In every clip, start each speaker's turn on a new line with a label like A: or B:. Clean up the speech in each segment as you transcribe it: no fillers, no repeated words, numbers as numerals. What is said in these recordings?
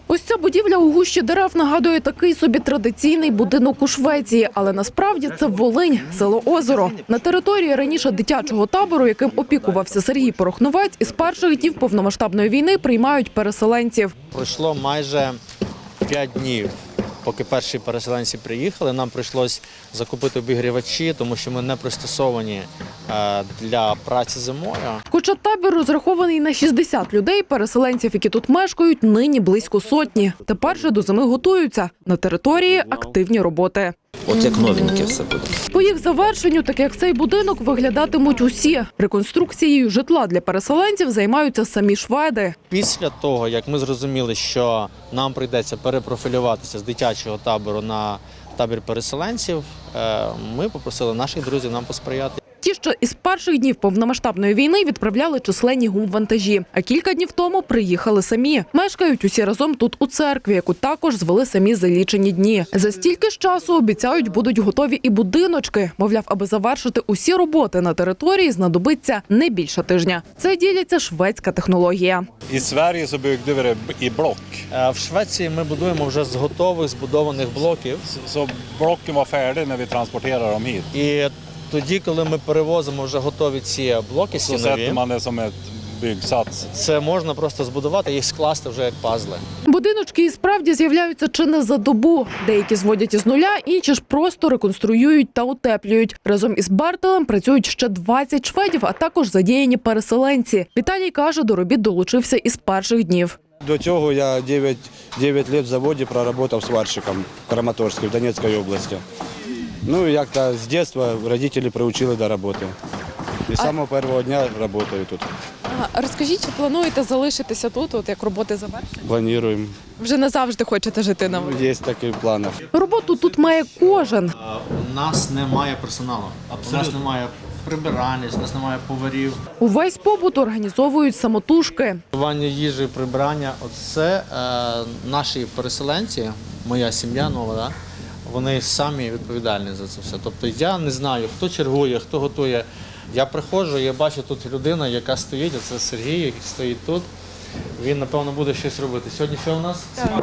A: Ось ця будівля у гущі дерев нагадує такий собі традиційний будинок у Швеції, але насправді це Волинь, село Озеро. На території раніше дитячого табору, яким опікувався Сергій Порохновець, із перших днів повномасштабної війни приймають переселенців.
B: Пройшло майже 5 днів, поки перші переселенці приїхали. Нам прийшлось закупити обігрівачі, тому що ми не пристосовані для праці зимою.
A: Хоча табір розрахований на 60 людей, переселенців, які тут мешкають, нині близько сотні. Тепер же до зими готуються. На території активні роботи.
C: От як новеньке все буде.
A: По їх завершенню, так як цей будинок, виглядатимуть усі. Реконструкцією житла для переселенців займаються самі шведи.
B: Після того, як ми зрозуміли, що нам прийдеться перепрофілюватися з дитячого табору на табір переселенців, ми попросили наших друзів нам посприяти.
A: Ті, що із перших днів повномасштабної війни відправляли численні гумвантажі, а кілька днів тому приїхали самі. Мешкають усі разом тут у церкві, яку також звели самі за лічені дні. За стільки ж часу, обіцяють, будуть готові і будиночки. Мовляв, аби завершити усі роботи на території, знадобиться не більше тижня. Це діляться шведська технологія.
D: I Sverige så byggde vi det i block.
B: В Швеції ми будуємо вже з готових збудованих блоків.
D: Så blocken var färdiga när vi transporterade dem hit.
B: І тоді, коли ми перевозимо вже готові ці блоки
D: Så
B: стінові,
D: sätter man det som ett byggsats.
B: це можна просто збудувати, їх скласти вже як пазли.
A: Будиночки і справді з'являються чи не за добу. Деякі зводять із нуля, інші ж просто реконструюють та утеплюють. Разом із Бертелем працюють ще 20 шведів, а також задіяні переселенці. Віталій каже, до робіт долучився із перших днів.
E: До цього я 9 років в заводі проработав сварщиком в Краматорську, в Донецькій області. Ну, як-то з дитинства родителі приучили до роботи. І з самого першого дня працюю тут.
F: Розкажіть, чи плануєте залишитися тут, от як роботи завершені?
E: Плануємо.
F: Вже не завжди хочете жити на вулиці?
E: Є такі плани.
A: Роботу тут має кожен.
B: У нас немає персоналу, у нас немає прибиральниць, у нас немає поварів.
A: Увесь побут організовують самотужки.
B: Готування їжі, прибирання – оце наші переселенці, моя сім'я нова, да? Вони самі відповідальні за це все. Тобто я не знаю, хто чергує, хто готує. Я приходжу, я бачу тут людина, яка стоїть, а це Сергій, який стоїть тут. Він, напевно, буде щось робити. Сьогодні що у нас?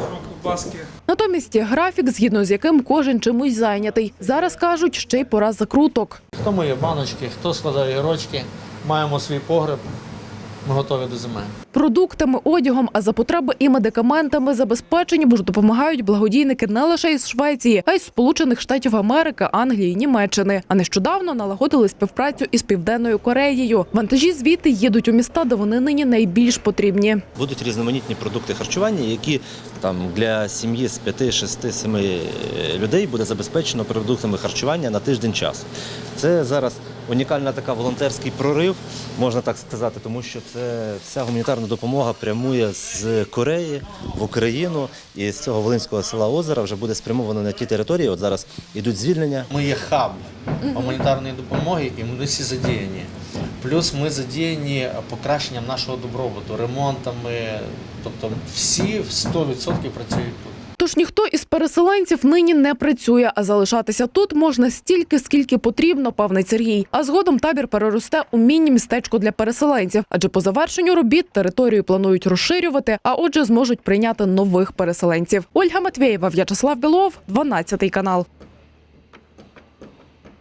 A: Натомість є графік, згідно з яким кожен чимось зайнятий. Зараз, кажуть, ще й пора закруток.
B: Хто миє баночки, хто складає гірочки. Маємо свій погреб, ми готові до зими.
A: Продуктами, одягом, а за потреби і медикаментами забезпечені, бо ж допомагають благодійники не лише із Швеції, а й з Сполучених Штатів Америки, Англії, Німеччини. А нещодавно налагодили співпрацю із Південною Кореєю. Вантажі звідти їдуть у міста, де вони нині найбільш потрібні.
C: Будуть різноманітні продукти харчування, які там для сім'ї з 5, 6, 7 людей буде забезпечено продуктами харчування на тиждень часу. Це зараз унікальна така волонтерський прорив, можна так сказати, тому що це вся гуманітарна допомога прямує з Кореї в Україну, і з цього волинського села Озера вже буде спрямовано на ті території. От зараз йдуть звільнення.
B: Ми є хаб гуманітарної допомоги і ми всі задіяні. Плюс ми задіяні покращенням нашого добробуту, ремонтами, тобто всі 100% працюють тут.
A: Тож ніхто із переселенців нині не працює, а залишатися тут можна стільки, скільки потрібно, певний Сергій. А згодом табір переросте у міні-містечко для переселенців. Адже по завершенню робіт територію планують розширювати, а отже зможуть прийняти нових переселенців. Ольга Матвєєва, В'ячеслав Білов, 12 канал.